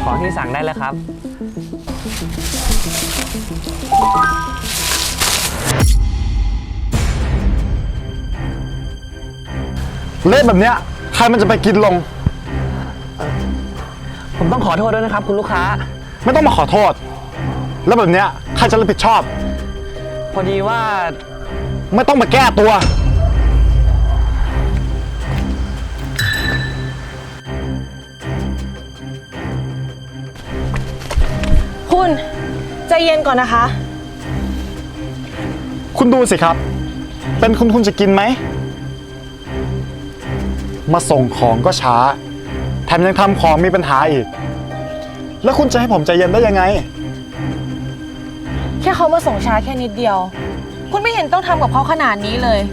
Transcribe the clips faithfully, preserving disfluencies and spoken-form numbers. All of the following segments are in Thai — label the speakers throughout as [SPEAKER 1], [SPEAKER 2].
[SPEAKER 1] ของที่สั่งได้แล้วครับ
[SPEAKER 2] เละแบบเนี้ยใครมันจะไปกินลง
[SPEAKER 1] ผมต้องขอโทษด้วยนะครับคุณลูกค้า
[SPEAKER 2] ไม่ต้องมาขอโทษแล้วแบบเนี้ยใครจะรับผิดชอบ
[SPEAKER 1] พอดีว่า
[SPEAKER 2] ไม่ต้องมาแก้ตัว
[SPEAKER 3] คุณใจเย็นก่อนนะคะ
[SPEAKER 2] คุณดูสิครับเป็นคุณคุณจะกินไหมมาส่งของก็ช้าแถมยังทำของมีปัญหาอีกแล้วคุณจะให้ผมใจเย็นได้ยังไง
[SPEAKER 3] แค่เขามาส่งช้าแค่นิดเดียวคุณไม่เห็นต้องทำกับเขาขนาดนี้เลย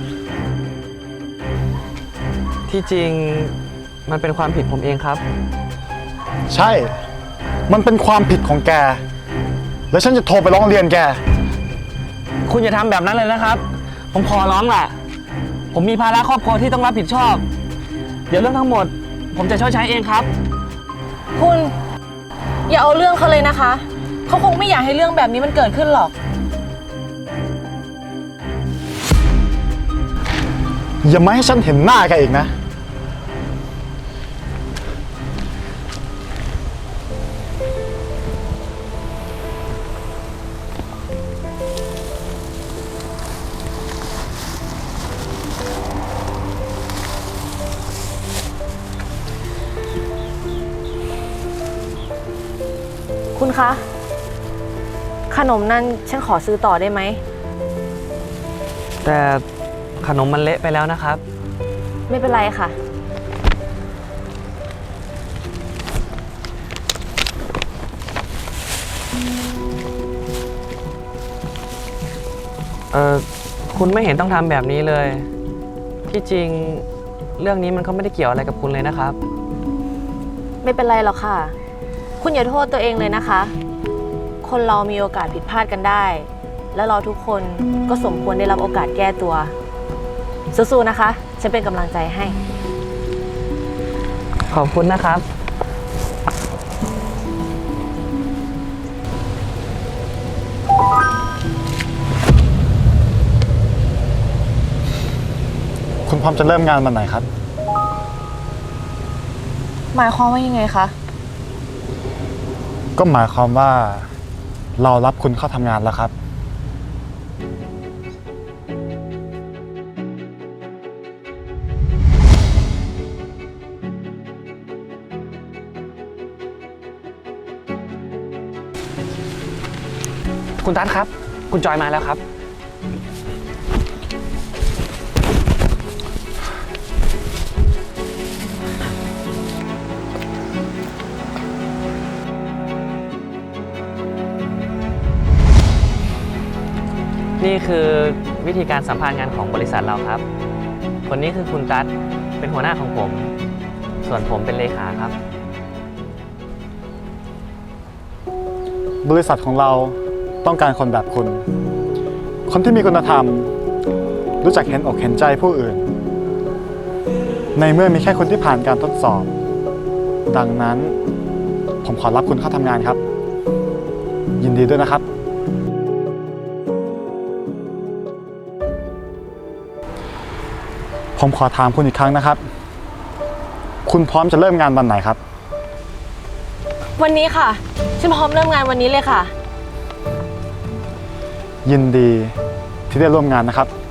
[SPEAKER 1] ที่จริงมันเป็นความผิดผมเองครับ
[SPEAKER 2] ใช่มันเป็นความผิดของแกแล้วฉันจะโทรไปร้องเรียนแก
[SPEAKER 1] คุณอย่าทำแบบนั้นเลยนะครับผมขอร้องแหละผมมีภาระครอบครัวที่ต้องรับผิดชอบเดี๋ยวเรื่องทั้งหมดผมจะชดใช้เองครับ
[SPEAKER 3] คุณอย่าเอาเรื่องเขาเลยนะคะเขาคงไม่อยากให้เรื่องแบบนี้มันเกิดขึ้นหรอก
[SPEAKER 2] อย่ามาให้ฉันเห็นหน้าแกอีกนะ
[SPEAKER 3] คุณคะขนมนั่นฉันขอซื้อต่อได้ไหม
[SPEAKER 1] แต่ขนมมันเละไปแล้วนะครับ
[SPEAKER 3] ไม่เป็นไรค่ะ
[SPEAKER 1] เออคุณไม่เห็นต้องทำแบบนี้เลยที่จริงเรื่องนี้มันก็ไม่ได้เกี่ยวอะไรกับคุณเลยนะครับ
[SPEAKER 3] ไม่เป็นไรหรอกค่ะคุณอย่าโทษตัวเองเลยนะคะคนเรามีโอกาสผิดพลาดกันได้แล้วเราทุกคนก็สมควรได้รับโอกาสแก้ตัวสู้ๆนะคะฉันเป็นกำลังใจให้
[SPEAKER 1] ขอบคุณนะครับ
[SPEAKER 2] คุณพร้อมจะเริ่มงานวันไหนครับ
[SPEAKER 3] หมายความว่ายังไงคะ
[SPEAKER 2] ก็หมายความว่าเรารับคุณเข้าทำงานแล้วครับ
[SPEAKER 1] คุณตั๊ดครับคุณจอยมาแล้วครับนี่คือวิธีการสัมภาษณ์งานของบริษัทเราครับคนนี้คือคุณตั๊ดเป็นหัวหน้าของผมส่วนผมเป็นเลขาครับ
[SPEAKER 2] บริษัทของเราต้องการคนแบบคุณคนที่มีคุณธรรมรู้จักเห็นอกเห็นใจผู้อื่นในเมื่อมีแค่คนที่ผ่านการทดสอบดังนั้นผมขอรับคุณเข้าทำงานครับยินดีด้วยนะครับผมขอถามคุณอีกครั้งนะครับคุณพร้อมจะเริ่มงานวันไหนครับ
[SPEAKER 3] วันนี้ค่ะฉันพร้อมเริ่มงานวันนี้เลยค่ะ
[SPEAKER 2] ยินดีที่ได้ร่วมงานนะครับ